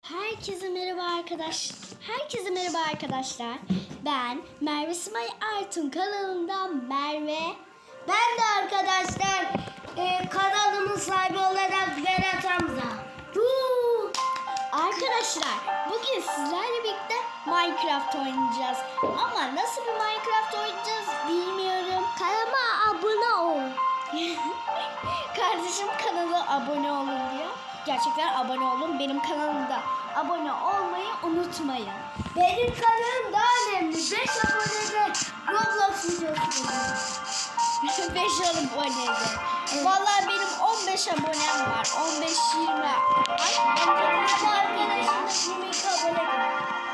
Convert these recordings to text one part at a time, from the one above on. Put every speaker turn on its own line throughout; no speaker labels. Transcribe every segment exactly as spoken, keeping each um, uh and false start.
Herkese merhaba arkadaş. Herkese merhaba arkadaşlar. Ben Merve Simay Artun kanalından Merve.
Ben de arkadaşlar e, kanalımın sahibi olarak Berat Hamza. Huu!
Arkadaşlar bugün sizlerle birlikte Minecraft oynayacağız. Ama nasıl bir Minecraft oynayacağız bilmiyorum.
Kanalıma abone ol.
Kardeşim kanala abone olun diyor. Gerçekten abone olun. Benim kanalımda abone olmayı unutmayın.
Benim kanalım daha önemli. beş abonede Roblox videosu.
beş abonede. Vallahi benim on beş abonem var. on beş yirmi. Ay,
Arkadaşımda yirmi iki abone.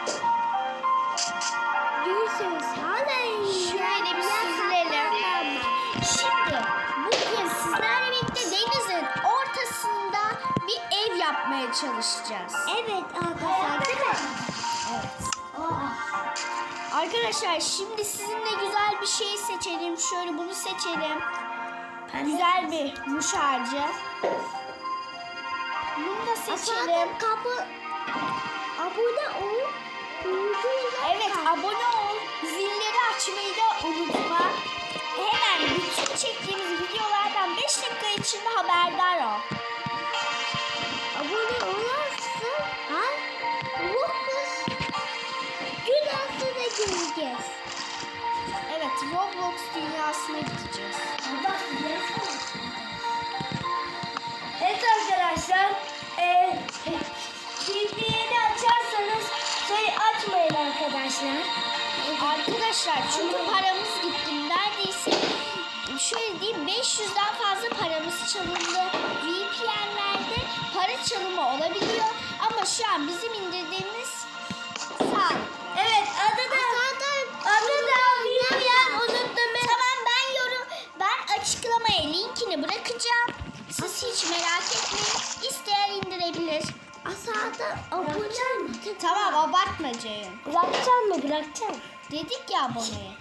Görüşürüz.
şöyle bir süzülelim. Şimdi bugün sizlerle birlikte denizin ortasında bir ev yapmaya çalışacağız.
Evet arkadaşlar değil mi?
Evet.
Aa.
Arkadaşlar şimdi sizinle güzel bir şey seçelim. Şöyle bunu seçelim. Güzel bir muş ağacı. Bunu da seçelim.
Kapı abone ol.
Evet, abone ol. Zilleri açmayı da unutma. Hemen bütün çektiğimiz videolardan beş dakika içinde haberdar ol.
Abone olarsın. Ha? Bu kız gün altına gireceğiz.
Evet, Roblox dünyasına gideceğiz.
Bak, evet arkadaşlar, e, bildiğini açarsanız şey açmayın arkadaşlar.
Arkadaşlar çünkü paramız gitti. Neredeyse şöyle diyeyim beş yüzden fazla paramız çalındı. V P N'lerde para çalımı olabiliyor. Ama şu an bizim indirdiğimiz sağ.
Evet, adı da adı da bilmeyen unuttum.
Tamam, ben yorum ben açıklamaya linkini bırakacağım. Siz hiç merak etmeyin. İsteyen indirebilir.
Aşağıda abone mi?
Tamam, abartma Ceyhun.
Bırakacaksın mı? Bırakacaksın.
Dedik ya aboneye.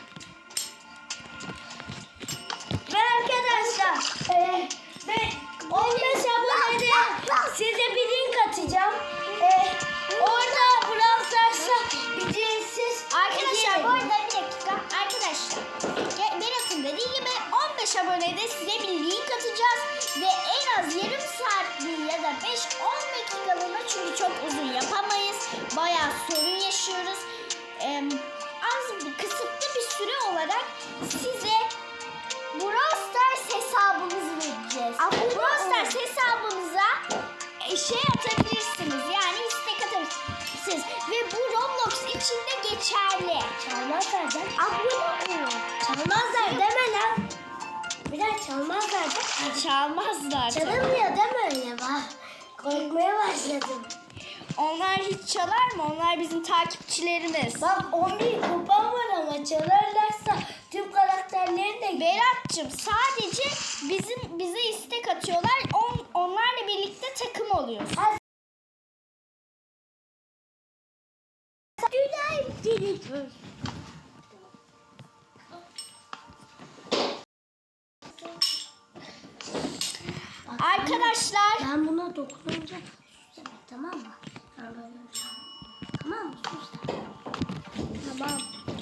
Ve arkadaşlar e, ve on beş abonede size bir link atacağım. E, orada Brawl Stars'a ücretsiz
Arkadaşlar bu arada bir dakika. Arkadaşlar Ge- Berat'ın dediği gibi on beş abonede size bir link atacağız. Ve en az yarım saatliği ya da beş on dakikalığına, çünkü çok uzun yapamayız. Bayağı sorun yaşıyoruz. Ee, az bir kısıtlı bir süre olarak size Brawl Stars hesabımızı vereceğiz. Brawl Stars hesabımıza e, şey atabilirsiniz. Yani istek atabilirsiniz. Ve bu Roblox içinde geçerli.
Çalmazlar da abone olun. Çalmazlar deme lan. Biraz çalmazlar da.
Çalmazlar.
Çalınmıyor deme öyle bak. Korkmaya başladım.
Onlar hiç çalar mı? Onlar bizim takipçilerimiz.
Bak on bir kupam var ama çalarlarsa tüm karakterlerini de...
Berat'cığım sadece bizim bize istek atıyorlar. On, onlarla birlikte takım oluyoruz.
Güzel.
Arkadaşlar
Ben buna dokununca sus demek, tamam mı? Ben böyle yapacağım. Tamam mı? Sus demek.
Tamam.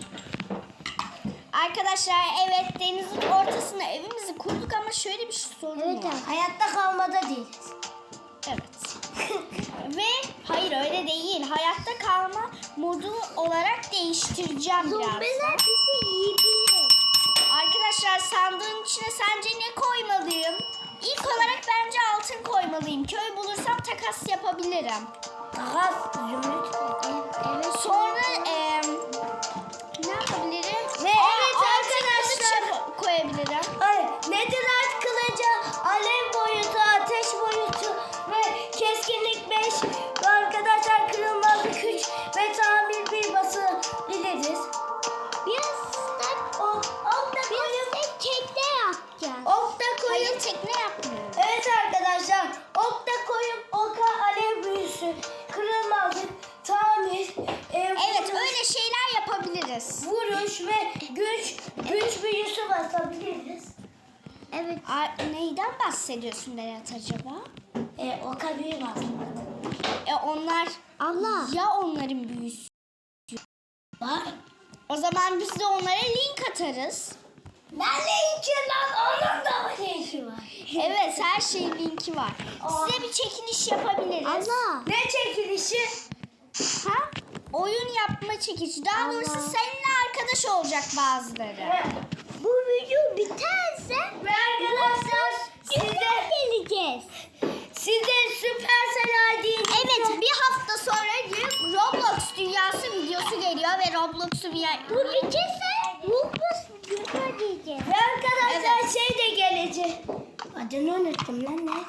Arkadaşlar evet, denizin ortasına evimizi kurduk ama şöyle bir sorun
Evet
var.
abi. Hayatta kalmada değiliz.
Evet. Ve hayır, öyle değil. Hayatta kalma modu olarak değiştireceğim biraz.
Zombiler bizi yiyebilir.
Arkadaşlar sandığın içine sence ne koymalıyım? İlk olarak bence altın koymalıyım. Köy bulursam takas yapabilirim.
Takas, zümrüt. Evet.
Sonra eee ne yapabilirim?
Ve
Aa,
evet
altın
arkadaşlar.
kılıç yap- koyabilirim.
Hayır, Netherite kılıcı, alev boyutu, ateş boyutu ve keskinlik beş ve arkadaşlar kırılmazlık üç ve tamir bir basabiliriz. Biraz da ok, ok da koyup tekne yapacağız. Ok da
Hayır,
koyup
tekne yapmıyorum.
evet arkadaşlar, ok da koyup oka alev büyüsü, kırılmazlık, tamir, e,
Evet,
vuruş,
öyle şeyler yapabiliriz.
vuruş ve güç, güç büyüsü basabiliriz. Evet.
Aa, neyden bahsediyorsun Berat acaba?
E, oka büyü basmak.
E onlar
Allah.
ya onların büyüsü.
Var.
O zaman biz de onlara link atarız.
Ne linki lan? Onun da mı linki var?
Evet, her şeyin linki var. Size bir çekiliş yapabiliriz.
Allah. Ne çekilişi?
Ha? Oyun yapma çekilişi. Daha doğrusu
Allah.
seninle arkadaş olacak bazıları.
Bu video biterse ve arkadaşlar size geleceğiz. Size Supercell I D'yi
Evet, bir hafta sonra Roblox dünyası videosu geliyor ve Roblox'u bir yer...
bu biterse Roblox videosu diyeceğiz. Ve arkadaşlar
Evet.
şey de gelecek. Adını unuttum lan ne?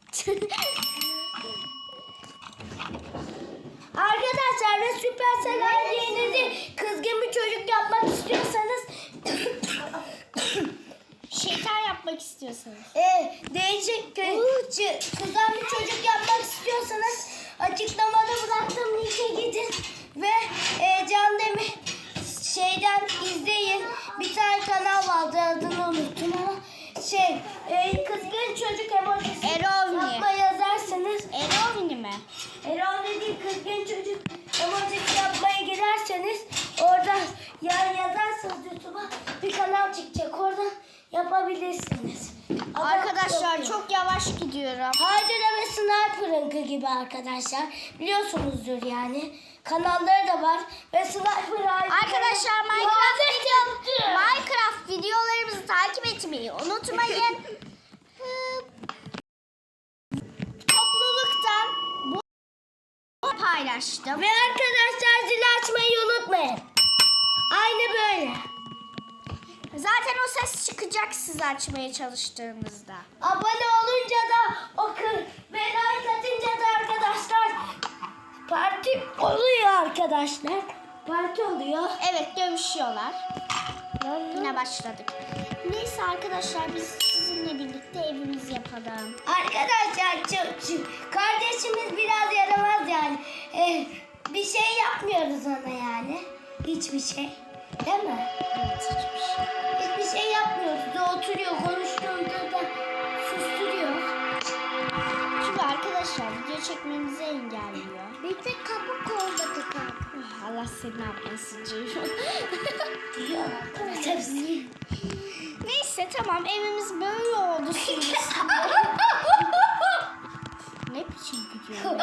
Arkadaşlar ve Supercell I D'nizi kızgın bir çocuk yapmak istiyorsanız
Şeytan yapmak istiyorsanız.
e, değişik kı- kızan bir çocuk yapmak istiyorsanız açıklamada bıraktığım linke gidin ve e, Can Demir şeyden izleyin. Bir tane kanal vardı, adını unuttum ama şey e, kızgın çocuk emojisi
Erovni.
yapma yazarsanız
Erovni mi?
Erol dediği kızgın çocuk emojisi yapmaya girerseniz oradan yani yazarsanız YouTube'a bir kanal çıkacak, oradan yapabilirsiniz. Adam
Arkadaşlar
yapıyor.
çok yavaş gidiyorum.
Haydere ve Sniper'ınkı gibi arkadaşlar. Biliyorsunuzdur yani. Kanalları da var. Ve Sniper Haydere.
Arkadaşlar Minecraft, video, Minecraft videolarımızı takip etmeyi unutmayın. Hı, Topluluktan bu bu paylaştım.
Ve arkadaşlar zili açmayı unutmayın. Aynı böyle.
Zaten o ses çıkacak siz açmaya çalıştığınızda.
Abone olunca da o kır ve like atınca da arkadaşlar parti oluyor arkadaşlar. Parti oluyor.
Evet, dövüşüyorlar. Yine başladık. Neyse arkadaşlar, biz sizinle birlikte evimizi yapalım.
Arkadaşlar çok, çok- kardeşimiz biraz yaramaz yani. Eh, bir şey yapmıyoruz ona yani. Hiçbir şey. Değil mi?
Evet, hiçbir şey.
Hiçbir şey yapmıyoruz. O oturuyor, konuştuğunda da susturuyor.
Çünkü arkadaşlar video çekmemizi engelliyor.
Bir tek kapı kolladık abi.
Oh, Allah seni yapmasın Ceyhun.
Diyor arkadaşlar.
Neyse tamam, evimiz böyle oldu şimdi. Ne biçim gidiyor?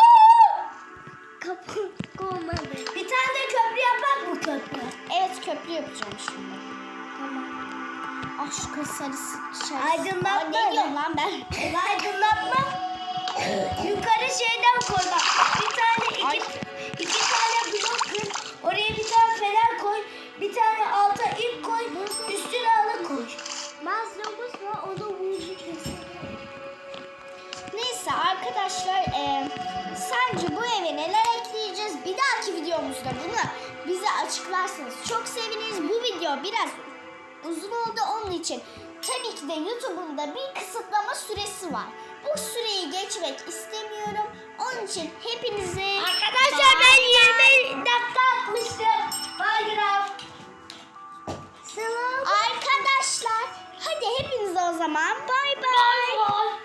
Kapı olmadı. Bir tane de köprü yapak mı köprü?
Evet, köprü yapacağım şimdi.
Tamam.
Ah, şu kız sarısı. Şey.
Aydınlatma
Aa, ne
mı?
diyorum lan ben?
Aydınlatma. Yukarı şeyden koy bak. Bir tane
Ay.
iki, iki tane blok kır. Oraya bir tane fener koy. Bir tane alta ip koy. Üstüne halı koy. Mazlumuz var, o da vurucu kesin.
Neyse arkadaşlar, e, sence bu eve neler ekleyeceğiz? Bir dahaki videomuzda bunu bize açıklarsanız çok seviniriz. Bu video biraz uzun oldu, onun için tabii ki de YouTube'un da bir kısıtlama süresi var. Bu süreyi geçmek istemiyorum. Onun için hepinize